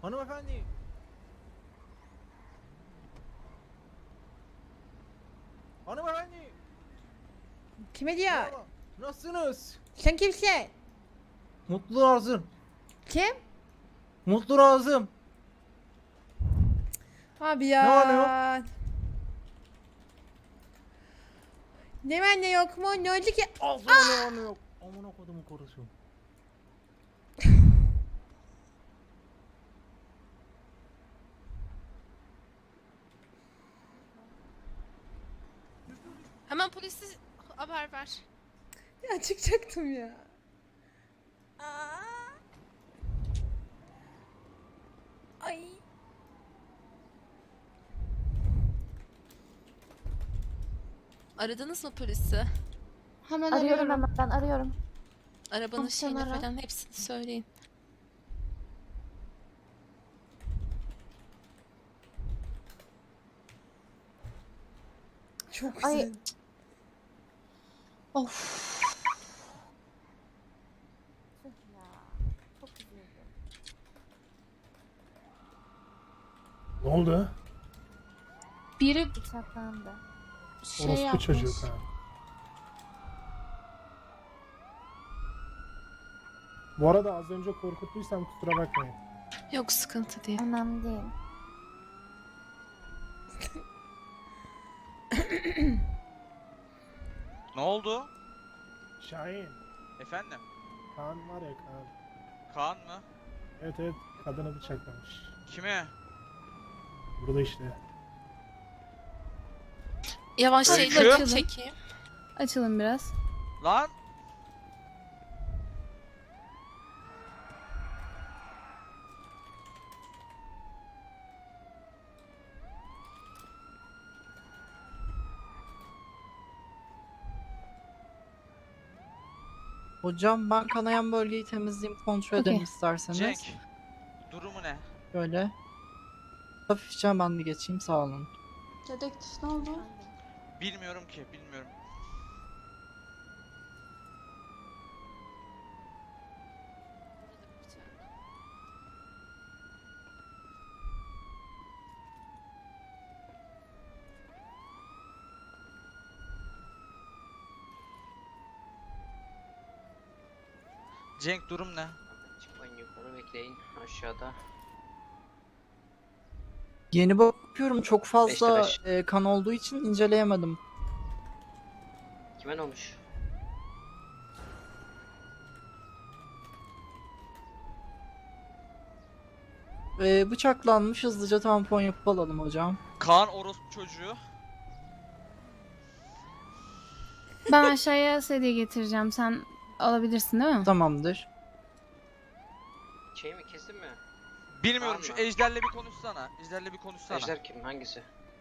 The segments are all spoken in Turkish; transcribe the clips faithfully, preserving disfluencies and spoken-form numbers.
Hanımefendi. Hanımefendi. Kime diyor? Merhaba. Nasılsınız? Sen kimsin? Mutlu Razım. Kim? Mutlu Razım. Abi ya. Ne var ne yok? Ne var ne yok mu? Ne oldu ki? Ağzına ne var ne yok. Amına kodumun korusu. Hemen polise haber ver. Ya çıkacaktım ya. Aa. Ay. Aradınız mı polisi? Hemen Arıyorum arıyorum. hemen ben arıyorum. Arabanın Tamam, şeyini sen ara. falan hepsini söyleyin. Çok Ay. güzel. Of. Tüh ya. Çok üzüldüm. Ne oldu? Biri Bıçaklandı. şey Orospu yapmış. çocuk ha. Bu arada az önce korkuttuysam kusura bakmayın. Yok sıkıntı değil. Önemli değil. Ne oldu? Şahin, Efendim? Kaan var ya Kaan. Kaan mı? Evet evet, kadını bıçaklamış. Kime? Burada işte. Yavaş Öykü. şeyleri çekeyim. Açılın biraz. Lan! Hocam ben kanayan bölgeyi temizleyeyim, kontrol Okey. edelim isterseniz. Cenk. Durumu ne? Böyle. Hafifçe ben bir geçeyim, sağ olun. Dedektif ne oldu? Bilmiyorum ki, bilmiyorum. Cenk durum ne? Çıkmayın yukarı bekleyin aşağıda. Yeni bakıyorum, çok fazla beş. e, kan olduğu için inceleyemedim. Kime ne olmuş? E, bıçaklanmış, hızlıca tampon yapıp alalım hocam. Kaan orospu çocuğu. Ben aşağıya sedye getireceğim. Sen alabilirsin değil mi? Tamamdır. Şey mi kesin mi? Bilmiyorum, Kaan şu mı? Ejder'le bir konuşsana. Ejder'le bir konuşsana. Ejder kim? Hangisi?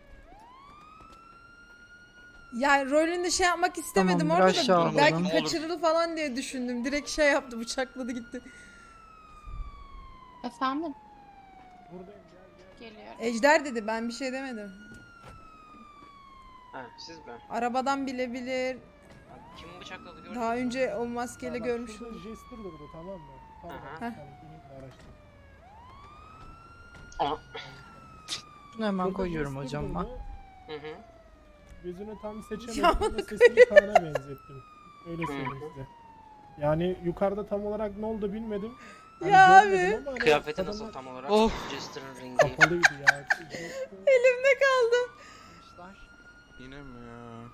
Ya rolünde şey yapmak istemedim Tamamdır, orada aşağı da alalım. belki Ne olur. kaçırılır falan diye düşündüm. Direkt şey yaptı, bıçakladı gitti. Efendim? Buradayım, gel gel. Geliyor. Ejder dedi, ben bir şey demedim. Ha siz mi? Arabadan bilebilir. Abi, kim bıçakladı gördün Daha mü? önce o maskeyle Ya bak, görmüş şurada oldum. Jester durdu, tamam mı? Tamam. Aha. Yani benim de araçta. Aa. Bunu hemen Şurada koyuyorum Jester hocam ben. durdu, Hı hı. Gözünü tam Ya seçemedim ama bak sesini Kaan'a benzettim. Öyle Hı söyleyeyim hı. size. Yani yukarıda tam olarak ne oldu bilmedim. Hani Ya görmedim abi. ama hani Kıyafeti kadın nasıl da tam olarak? Of. Jester'ın rengi. Kapalıydı ya. Elimde kaldı. Yine mi ya?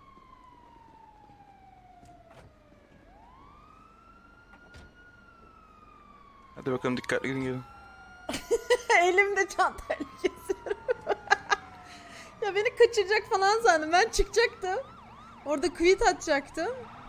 Hadi bakalım, dikkatli gidin gelin. Elimde çantayla geziyorum. Ya beni kaçıracak falan sandım. Ben çıkacaktım. Orada quit atacaktım.